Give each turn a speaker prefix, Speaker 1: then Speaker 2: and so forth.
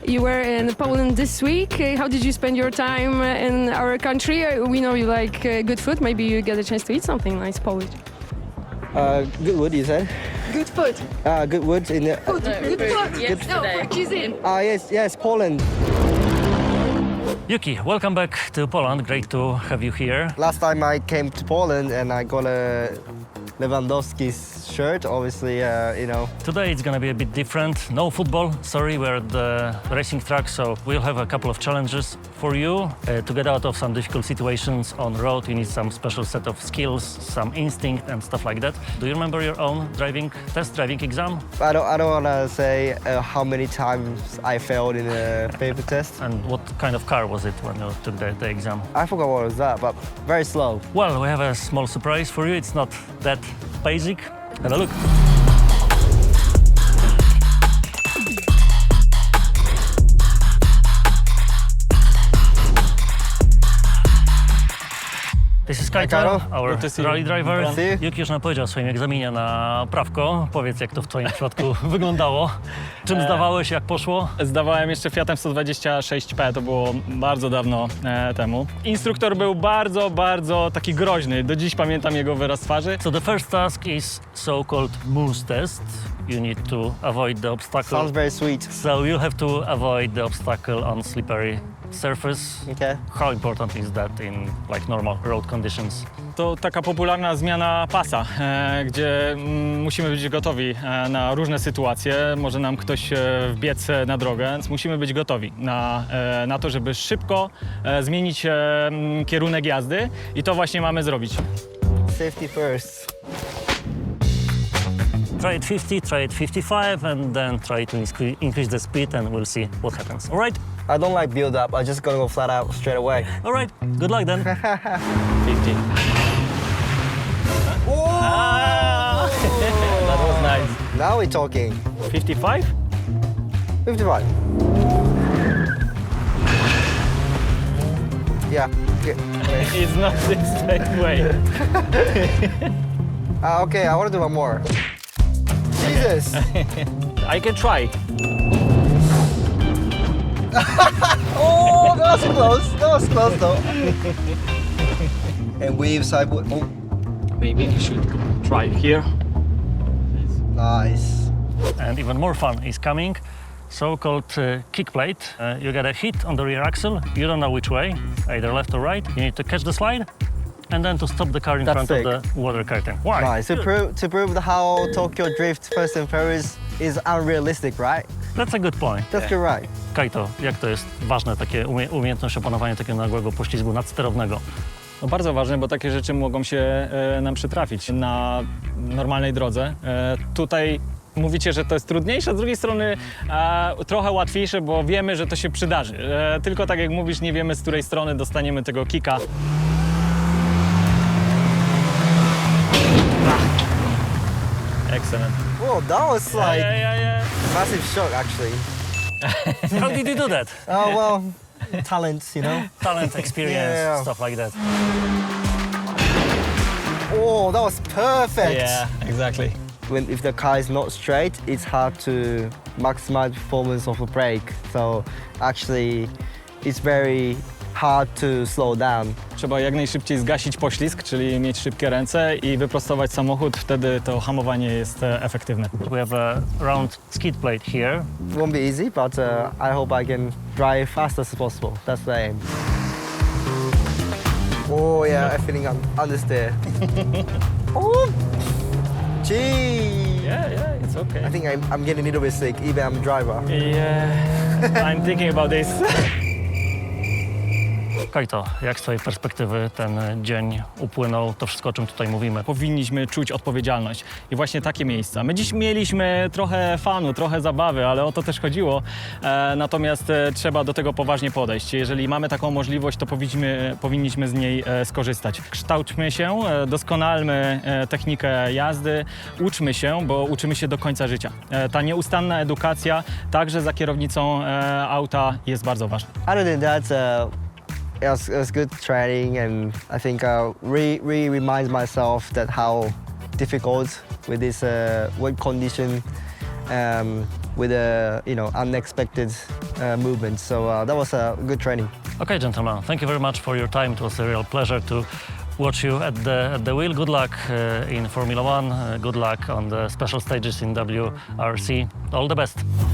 Speaker 1: You were in Poland this week. How did you spend your time in our country? We know you like good food. Maybe you get a chance to eat something nice Polish.
Speaker 2: Good wood, you said?
Speaker 1: Good food.
Speaker 2: Good wood in the...
Speaker 1: Food. Good food.
Speaker 3: Yesterday.
Speaker 1: No, cuisine.
Speaker 2: yes, Poland.
Speaker 4: Yuki, welcome back to Poland. Great to have you here.
Speaker 2: Last time I came to Poland and I got a Lewandowski's shirt, obviously, you know.
Speaker 4: Today it's gonna be a bit different. No football, sorry, we're at the racing track, so we'll have a couple of challenges for you. To get out of some difficult situations on the road, you need some special set of skills, some instinct and stuff like that. Do you remember your own driving exam?
Speaker 2: I don't want to say how many times I failed in a paper test.
Speaker 4: And what kind of car was it when you took the exam?
Speaker 2: I forgot what was that, but very slow.
Speaker 4: Well, we have a small surprise for you. It's not that basic. Have a look. This is Kaito, our rally driver. Yuki już nam powiedział o swoim egzaminie na prawko. Powiedz, jak to w twoim przypadku wyglądało. Czym zdawałeś, jak poszło?
Speaker 5: Zdawałem jeszcze Fiatem 126P, to było bardzo dawno temu. Instruktor był bardzo taki groźny. Do dziś pamiętam jego wyraz twarzy.
Speaker 4: So the first task is so-called moose test. You need to avoid the obstacle.
Speaker 2: Sounds very sweet.
Speaker 4: So you'll have to avoid the obstacle on slippery surface.
Speaker 2: Okay.
Speaker 4: How important is that in like normal road conditions?
Speaker 5: To taka popularna zmiana pasa, gdzie musimy być gotowi na różne sytuacje. Może nam ktoś wbiec na drogę, więc musimy być gotowi na to, żeby szybko zmienić kierunek jazdy i to właśnie mamy zrobić.
Speaker 2: Safety first.
Speaker 4: Try it 50, try it 55, and then try to increase the speed, and we'll see what happens. All right?
Speaker 2: I don't like build up. I just gotta go flat out straight away.
Speaker 4: All right. Good luck then.
Speaker 5: 50.
Speaker 2: Oh!
Speaker 5: That was nice.
Speaker 2: Now we're talking.
Speaker 5: 55?
Speaker 2: 55. Yeah.
Speaker 5: It's not the same way.
Speaker 2: Okay, I want to do one more. Jesus!
Speaker 5: I can try.
Speaker 2: Oh, that was close. That was close though. And weave sideward. Oh,
Speaker 5: Maybe you should try here.
Speaker 2: nice.
Speaker 4: And even more fun is coming. So-called kick plate. You get a hit on the rear axle. You don't know which way, either left or right. You need to catch the slide, and then to stop the car in
Speaker 2: That's
Speaker 4: front of the water curtain. Why?
Speaker 2: Nice. To prove how Tokyo Drift Fast and Furious is unrealistic, right?
Speaker 4: That's a good point.
Speaker 2: That's good, right?
Speaker 4: Kaito, jak to jest ważne, takie umiejętność opanowania takiego nagłego poślizgu nadsterownego?
Speaker 5: No bardzo ważne, bo takie rzeczy mogą się nam przytrafić na normalnej drodze. Tutaj mówicie, że to jest trudniejsze, a z drugiej strony trochę łatwiejsze, bo wiemy, że to się przydarzy. Tylko tak jak mówisz, nie wiemy, z której strony dostaniemy tego kicka. Excellent.
Speaker 2: Whoa, that was like
Speaker 5: Yeah.
Speaker 2: massive shock, actually.
Speaker 4: How did you do that?
Speaker 2: Oh well, talent, you know.
Speaker 4: Talent, experience,
Speaker 2: Yeah.
Speaker 4: stuff like that.
Speaker 2: Oh, that was perfect.
Speaker 5: Yeah, exactly.
Speaker 2: If the car is not straight, it's hard to maximize performance of the brake. So actually, it's very hard to slow down.
Speaker 5: Trzeba jak najszybciej zgasić poślizg, czyli mieć szybkie ręce i wyprostować samochód, wtedy to hamowanie jest efektywne.
Speaker 4: We have a round skid plate here.
Speaker 2: It won't be easy, but I hope I can drive fast as possible. That's the aim. Oh yeah, I'm feeling understeer. Oh, gee.
Speaker 5: Yeah, it's okay.
Speaker 2: I think I'm getting a little bit sick, even I'm a driver.
Speaker 5: Yeah, I'm thinking about this.
Speaker 4: Kaito, jak z twojej perspektywy ten dzień upłynął, to wszystko, o czym tutaj mówimy?
Speaker 5: Powinniśmy czuć odpowiedzialność i właśnie takie miejsca. My dziś mieliśmy trochę fanu, trochę zabawy, ale o to też chodziło. Natomiast trzeba do tego poważnie podejść. Jeżeli mamy taką możliwość, to powinniśmy z niej skorzystać. Kształćmy się, doskonalmy technikę jazdy, uczmy się, bo uczymy się do końca życia. Ta nieustanna edukacja, także za kierownicą auta, jest bardzo ważna.
Speaker 2: Other than that, it was good training, and I think really reminds myself that how difficult with this wet condition with unexpected movements. So that was a good training.
Speaker 4: Okay, gentlemen, thank you very much for your time. It was a real pleasure to watch you at the wheel. Good luck in Formula One. Good luck on the special stages in WRC. All the best.